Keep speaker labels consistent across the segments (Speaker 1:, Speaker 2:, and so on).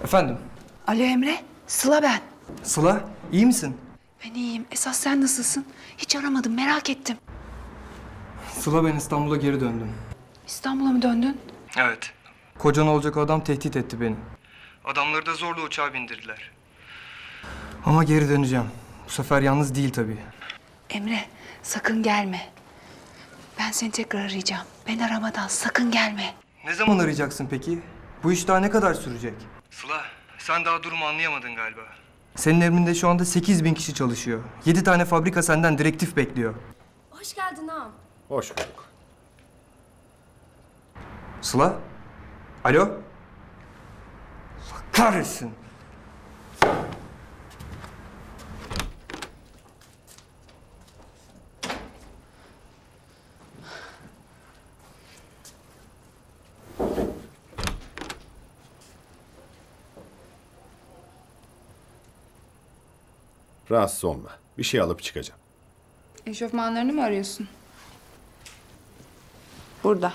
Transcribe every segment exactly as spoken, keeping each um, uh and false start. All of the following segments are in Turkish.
Speaker 1: Efendim?
Speaker 2: Alo Emre, Sıla ben.
Speaker 1: Sıla, iyi misin?
Speaker 2: Ben iyiyim. Esas sen nasılsın? Hiç aramadım, merak ettim.
Speaker 1: Sıla, ben İstanbul'a geri döndüm.
Speaker 2: İstanbul'a mı döndün?
Speaker 1: Evet. Kocan olacak adam tehdit etti beni. Adamları da zorla uçağa bindirdiler. Ama geri döneceğim. Bu sefer yalnız değil tabii.
Speaker 2: Emre, sakın gelme. Ben seni tekrar arayacağım. Ben aramadan sakın gelme.
Speaker 1: Ne zaman arayacaksın peki? Bu iş daha ne kadar sürecek? Sıla, sen daha durumu anlayamadın galiba. Senin emrinde şu anda sekiz bin kişi çalışıyor. Yedi tane fabrika senden direktif bekliyor.
Speaker 3: Hoş geldin ağam.
Speaker 4: Hoş bulduk.
Speaker 1: Sıla? Alo? Allah kahretsin.
Speaker 4: Rahatsız olma. Bir şey alıp çıkacağım.
Speaker 5: Eşofmanlarını mı arıyorsun? Burada.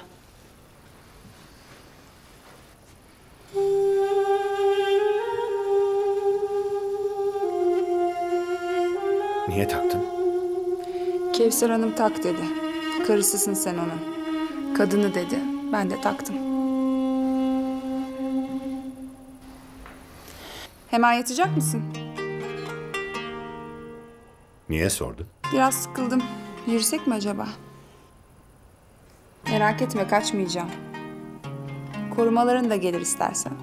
Speaker 4: Niye taktın?
Speaker 5: Kevser Hanım tak dedi. Karısısın sen onun. Kadını dedi. Ben de taktım. Hemen yatacak mısın?
Speaker 4: Niye sordun?
Speaker 5: Biraz sıkıldım. Yürüsek mi acaba? Merak etme, kaçmayacağım. Korumaların da gelir istersen.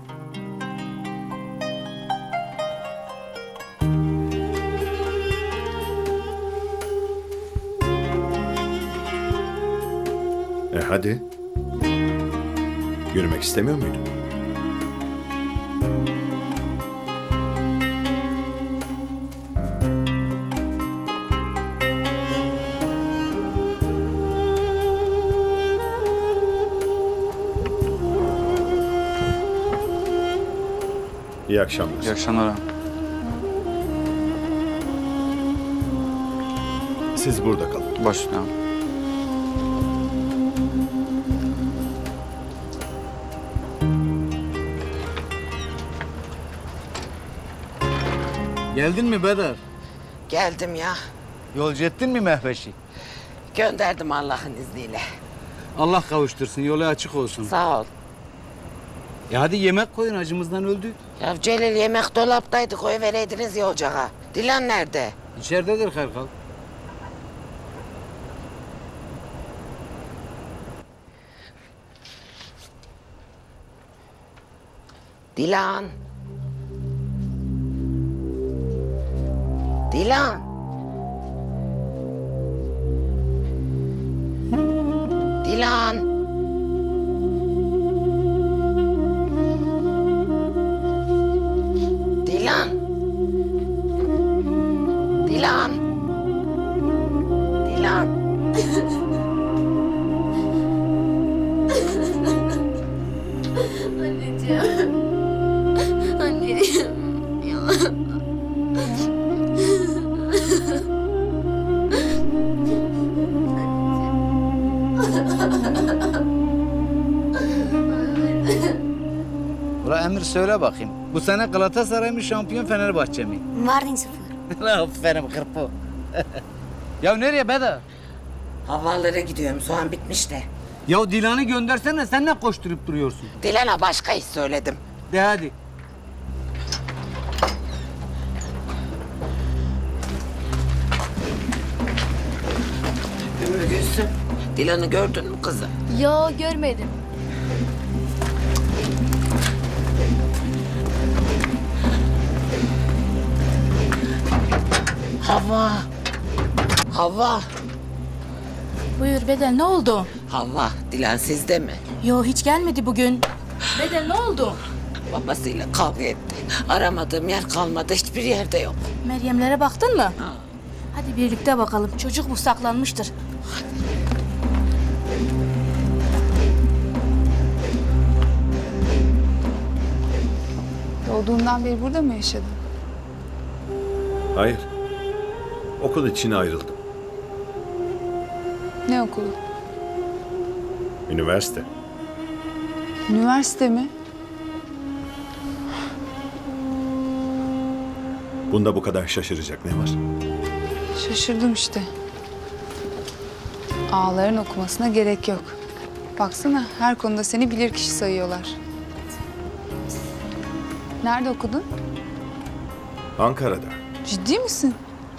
Speaker 4: E hadi. Yürümek istemiyor muydun? İyi akşamlar.
Speaker 6: İyi akşamlar.
Speaker 4: Siz burada kalın.
Speaker 6: Başüstüne.
Speaker 7: Geldin mi Bedar?
Speaker 8: Geldim ya.
Speaker 7: Yolcu ettin mi Mehveş'i?
Speaker 8: Gönderdim Allah'ın izniyle.
Speaker 7: Allah kavuştursun, yolu açık olsun.
Speaker 8: Sağ ol.
Speaker 7: E hadi yemek koyun, acımızdan öldük.
Speaker 8: Ya Celil yemek dolaptaydı, koyuvereydiniz ya ocağa. Dilan nerede?
Speaker 7: İçeridedir Karkal.
Speaker 8: Dilan. Dilan. Dilan. Dilan. Dilan. Dilan.
Speaker 3: Anneciğim. Anneciğim. Ya.
Speaker 7: Ula Emir söyle bakayım. Bu sene Galatasaray mı şampiyon, Fenerbahçe mi?
Speaker 3: Mardin sıfır.
Speaker 7: Aferin kırpo. Ya nereye Bedar?
Speaker 8: Havalara gidiyorum, soğan bitmiş de.
Speaker 7: Ya Dilan'ı göndersene, sen ne koşturup duruyorsun?
Speaker 8: Dilan'a başka iş söyledim.
Speaker 7: De hadi.
Speaker 8: Ümmü Gülsüm, Dilan'ı gördün mü kızım?
Speaker 3: Yo, görmedim.
Speaker 8: Havva. Havva.
Speaker 9: Buyur Bedel, ne oldu?
Speaker 8: Havva, Dilan sizde mi?
Speaker 9: Yo, hiç gelmedi bugün. Bedel, ne oldu?
Speaker 8: Babasıyla kavga etti. Aramadığım yer kalmadı, hiçbir yerde yok.
Speaker 9: Meryemlere baktın mı? Hadi birlikte bakalım. Çocuk bu saklanmıştır.
Speaker 5: Doğduğundan beri burada mı yaşadın?
Speaker 4: Hayır. Okul için ayrıldım.
Speaker 5: Ne okulu?
Speaker 4: Üniversite.
Speaker 5: Üniversite mi?
Speaker 4: Bunda bu kadar şaşıracak ne var?
Speaker 5: Şaşırdım işte. Ağların okumasına gerek yok. Baksana her konuda seni bilirkişi sayıyorlar. Nerede okudun?
Speaker 4: Ankara'da.
Speaker 5: Ciddi misin?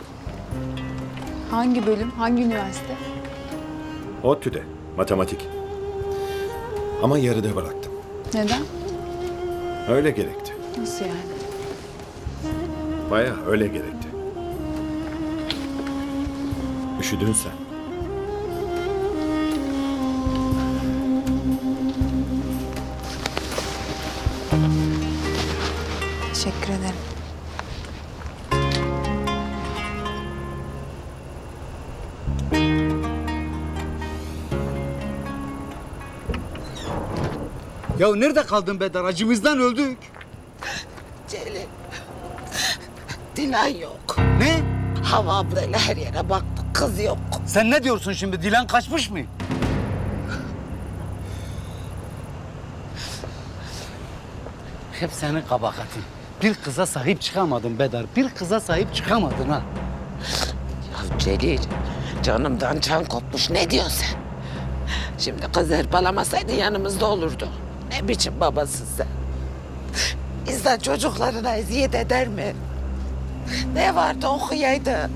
Speaker 5: Hangi bölüm, hangi üniversite?
Speaker 4: ODTÜ'de. Matematik. Ama yarıda bıraktım.
Speaker 5: Neden?
Speaker 4: Öyle gerekti.
Speaker 5: Nasıl yani?
Speaker 4: Bayağı öyle gerekti. Üşüdün sen.
Speaker 5: Teşekkür ederim.
Speaker 7: Ya nerede kaldın Bedar? Acımızdan öldük.
Speaker 8: Celil. Dilan yok.
Speaker 7: Ne?
Speaker 8: Hava ablayla her yere baktık. Kız yok.
Speaker 7: Sen ne diyorsun şimdi? Dilan kaçmış mı? Hep senin kabahatin. Bir kıza sahip çıkamadın Bedar. Bir kıza sahip çıkamadın ha.
Speaker 8: Ya Celil, canımdan can kopmuş. Ne diyorsun sen? Şimdi kız hırpalamasaydı yanımızda olurdu. Ne biçim babasın sen? İnsan çocuklarına eziyet eder mi? Ne vardı okuyaydı.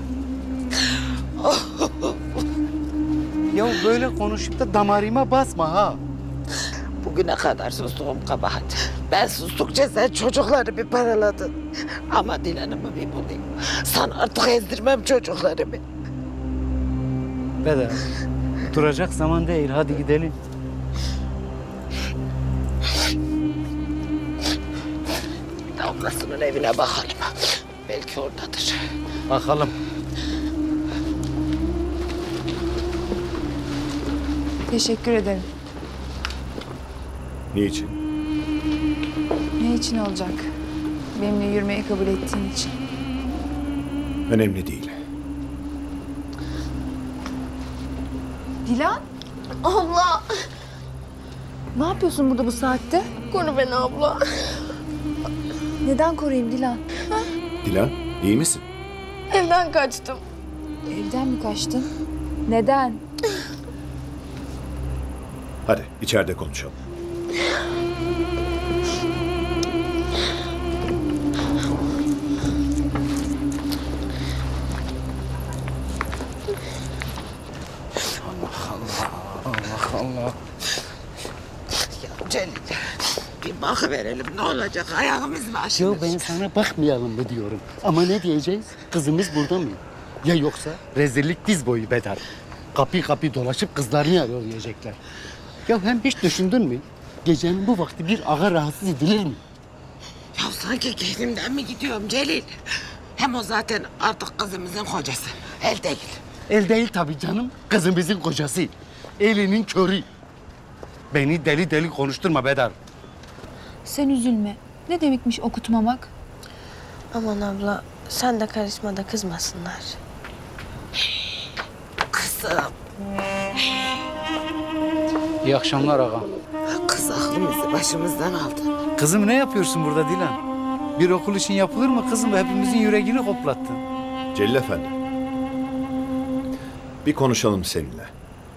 Speaker 7: Ya böyle konuşup da damarıma basma ha.
Speaker 8: Bugüne kadar sustuğum kabahat. Ben sustukça sen çocukları bir paraladın. Ama Dilan'ımı bir bulayım. Sana artık ezdirmem çocuklarımı.
Speaker 7: Bedar, duracak zaman değil. Hadi gidelim.
Speaker 8: Ablasının evine bakalım. Belki oradadır.
Speaker 7: Bakalım.
Speaker 5: Teşekkür ederim.
Speaker 4: Niçin?
Speaker 5: Ne için olacak? Benimle yürümeyi kabul ettiğin için.
Speaker 4: Önemli değil.
Speaker 5: Dilan,
Speaker 3: Abla.
Speaker 5: ne yapıyorsun burada bu saatte?
Speaker 3: Koru beni abla.
Speaker 5: Neden koruyayım Dilan?
Speaker 4: Dilan, iyi misin?
Speaker 3: Evden kaçtım.
Speaker 5: Evden mi kaçtın? Neden?
Speaker 4: Hadi içeride konuşalım.
Speaker 8: Ya Celil, bir bakıverelim ne olacak ayağımız mı
Speaker 7: Ya
Speaker 8: aşınır?
Speaker 7: ben sana bakmayalım mı diyorum. Ama ne diyeceğiz? Kızımız burada mı? Ya yoksa rezillik diz boyu Bedar. Kapı kapı dolaşıp kızlarını arıyor diyecekler. Ya hem hiç düşündün mü? Gecenin bu vakti bir ağa rahatsız edilir mi?
Speaker 8: Ya sanki kendimden mi gidiyorum Celil? Hem o zaten artık kızımızın kocası. El değil.
Speaker 7: El değil tabii canım. Kızımızın kocası. Elinin körü. Beni deli deli konuşturma Bedar.
Speaker 5: Sen üzülme. Ne demekmiş okutmamak?
Speaker 3: Aman abla sen de karışma da kızmasınlar.
Speaker 8: Kızım.
Speaker 7: İyi akşamlar ağam.
Speaker 8: Kız aklımızı başımızdan aldı.
Speaker 7: Kızım ne yapıyorsun burada Dilan? Bir okul için yapılır mı kızım? Hepimizin yüreğini hoplattın.
Speaker 4: Celil Efendi. Bir konuşalım seninle.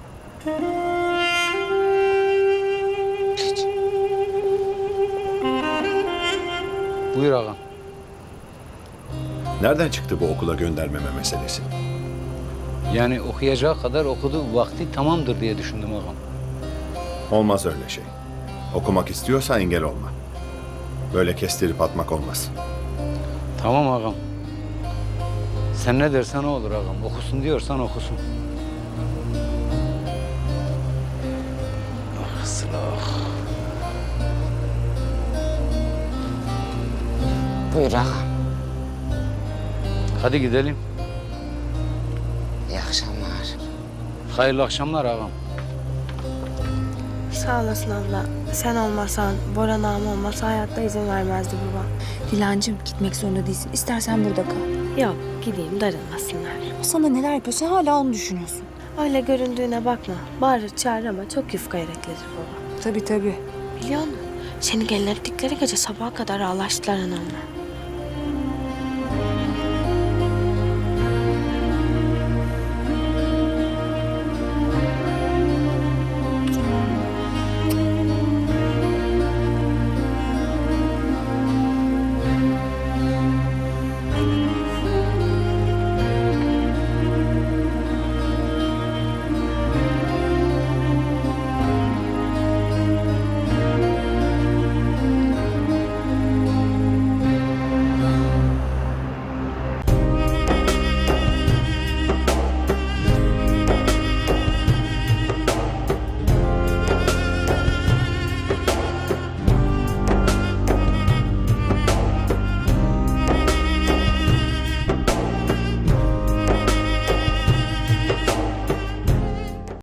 Speaker 7: Buyur ağam.
Speaker 4: Nereden çıktı bu okula göndermeme meselesi?
Speaker 7: Yani okuyacağı kadar okudu, vakti tamamdır diye düşündüm ağam.
Speaker 4: Olmaz öyle şey. Okumak istiyorsa engel olma. Böyle kestirip atmak olmaz.
Speaker 7: Tamam ağam. Sen ne dersen o olur ağam. Okusun diyorsan okusun. Ah Sıla.
Speaker 8: Buyur ağam.
Speaker 7: Hadi gidelim.
Speaker 8: İyi akşamlar.
Speaker 7: Hayırlı akşamlar ağam.
Speaker 3: Sağ olasın abla. Sen olmasan, Boran ağam olmasa hayatta izin vermezdi baba.
Speaker 6: Dilancığım gitmek zorunda değilsin. İstersen burada kal.
Speaker 3: Yok gideyim darılmasınlar.
Speaker 6: O sana neler yapıyor sen hala onu düşünüyorsun.
Speaker 3: Öyle göründüğüne bakma. Bağırır çağır ama çok yufka yüreklidir baba.
Speaker 5: Tabii tabii.
Speaker 3: Biliyor musun? Seni gelin ettikleri gece sabaha kadar ağlaştılar anamla.